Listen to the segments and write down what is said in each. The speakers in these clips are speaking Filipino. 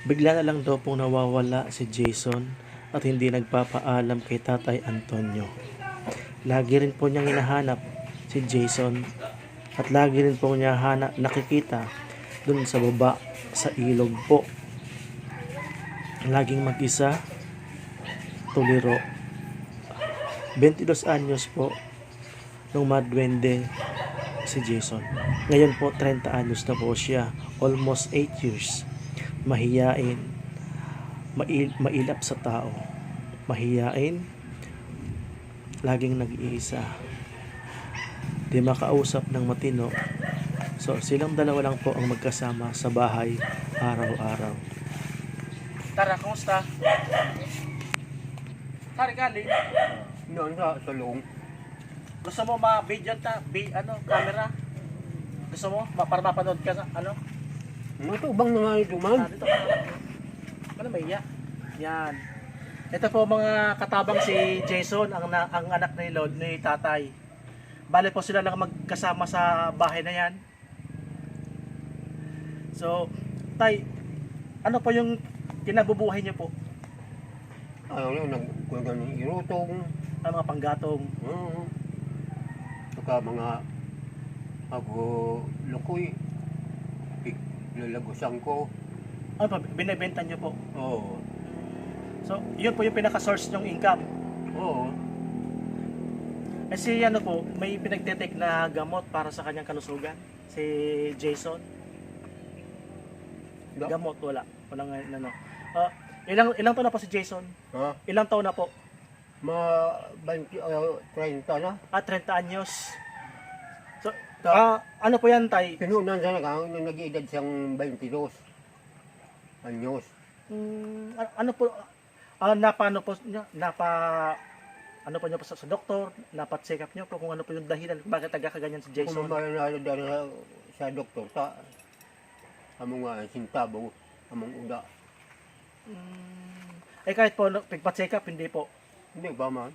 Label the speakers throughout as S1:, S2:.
S1: Bigla na lang daw pong nawawala si Jason at hindi nagpapaalam kay Tatay Antonio. Lagi rin po niyang hinahanap si Jason at lagi rin po niya nakikita dun sa baba sa ilog po. Laging mag-isa, tuliro. 22 anyos po nung madwende si Jason. Ngayon po 30 anyos na po siya, almost 8 years. Mahiyain, mailap sa tao, mahiyain, laging nag-iisa, di makausap ng matino. So silang dalawa lang po ang magkasama sa bahay araw-araw. Tara, kumusta? Tara, galing.
S2: Noon sa salong.
S1: Gusto mo ma-video camera? Gusto mo? Para mapanood ka sa
S2: Matubang na nga ito man.
S1: Dito ka. Ano ba iya? Yan. Ito po mga katabang si Jason, ang anak ni Lord, ni Tatay. Bale po sila lang magkasama sa bahay na yan. So, Tay, ano po yung kinabubuhay niyo po?
S2: Ano, nagkuha ng irutong.
S1: Ang mga panggatong.
S2: Saka mga ako lukoy. Lalagusan ko.
S1: Ano pa, binibenta niyo po?
S2: Oo.
S1: So, yun po yung pinaka-source ng income.
S2: Oo.
S1: Kasi ano po, may pinagdetect na gamot para sa kanyang kalusugan. Si Jason. Gamot, wala. Walang ano. Ilang taon na po si Jason?
S2: Ha?
S1: Ilang taon na po?
S2: 20, 30 na.
S1: 30 anyos. So, ano po yan, Tay?
S2: Pinunan sa nag-iedad siyang 22 anyos.
S1: Ano po, napano po niya, ano po niyo po sa doktor, napat-check up niyo po kung ano po yung dahilan bakit nagkakaganyan si Jason.
S2: Kung mamalala sa doktor ta, among sintabaw, among uda.
S1: Kahit po pagpa-check up, hindi po.
S2: Hindi ba man?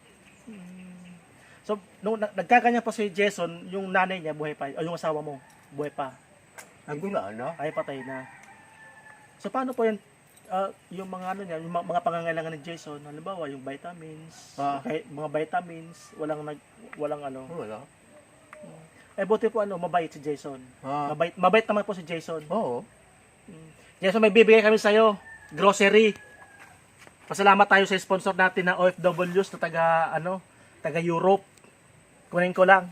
S1: So, nung nagkaganyan po si Jason, yung nanay niya buhay pa, o yung asawa mo, buhay pa.
S2: Nagula na.
S1: Ay, patay na. So, paano po yung mga ano niya, yung mga pangangailangan ni Jason, halimbawa yung vitamins, mga vitamins, walang ano.
S2: Wala.
S1: Buti po mabait si Jason. Mabait naman po si Jason.
S2: Oo.
S1: Jason, may bibigay kami sa'yo, grocery. Pasalamat tayo sa sponsor natin na OFWs na taga Europe. Kunin ko lang.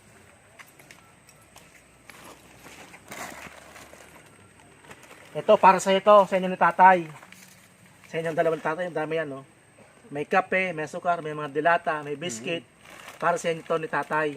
S1: Ito, para sa inyo ni Tatay. Sa inyong dalawang tatay, ang dami yan, no? May kape, may sukar, may mga dilata, may biscuit. Para sa inyo ni Tatay.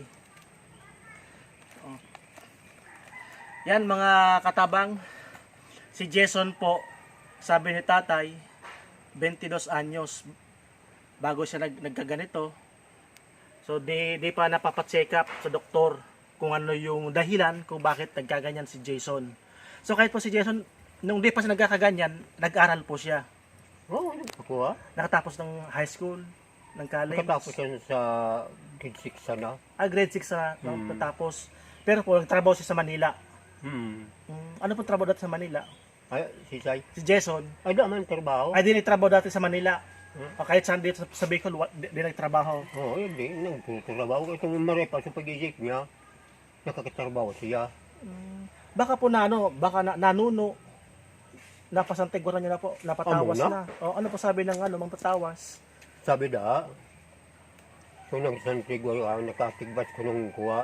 S1: Yan, mga katabang. Si Jason po, sabi ni Tatay, 22 anyos bago siya nagkaganito. So, di pa napapacheck up sa doktor kung ano yung dahilan kung bakit nagkaganyan si Jason. So, kahit po si Jason, nung di pa siya nagkakaganyan, nag-aral po siya.
S2: Oo, ako
S1: Nakatapos ng high school, ng college.
S2: Nakatapos siya sa grade 6 sana.
S1: Grade 6 na, natapos. Pero po, nagtrabaho siya sa Manila. Ano po trabaho dati sa Manila?
S2: Ay,
S1: Si Jason.
S2: Ay, daman trabaho.
S1: Ay, di nagtrabaho dati sa Manila. O kahit saan dito sa Bicol, di nagtrabaho.
S2: Oo, hindi. Nagtutrabaho. Itong marepa sa pag-isip niya, nakakatrabaho siya.
S1: Baka po nanuno, napasantiguran niya na po, napatawas na. O ano po sabi ng mga patawas?
S2: Sabi da, so nagsantigwaro nakatigbas ko nung kuha,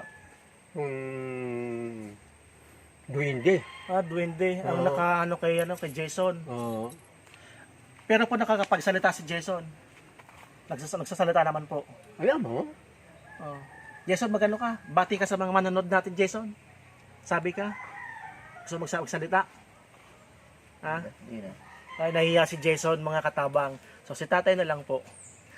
S2: duwende.
S1: Duwende. Ang kay Jason.
S2: Oo.
S1: Pero po nakakapagsalita si Jason. Nagsasalita naman po.
S2: Alam mo?
S1: Jason, magano ka? Bati ka sa mga manonood natin, Jason. Sabi ka? Gusto magsalita? Ha? Ay, nahiya si Jason, mga katabang. So, si Tatay na lang po.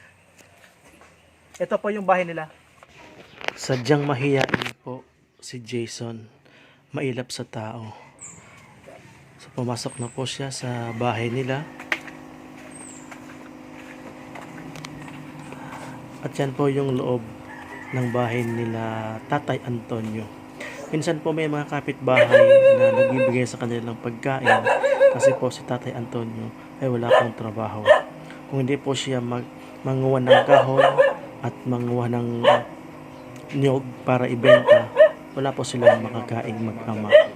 S1: Ito po yung bahay nila. Sadyang mahiyain po si Jason. Mailap sa tao. So, pumasok na po siya sa bahay nila. At yan po yung loob ng bahay nila Tatay Antonio. Minsan po may mga kapitbahay na nagbibigay sa kanilang pagkain Kasi po si Tatay Antonio ay wala pong trabaho. Kung hindi po siya manguha ng kahon at manguha ng niyog para ibenta, wala po silang makakaing mag-ama.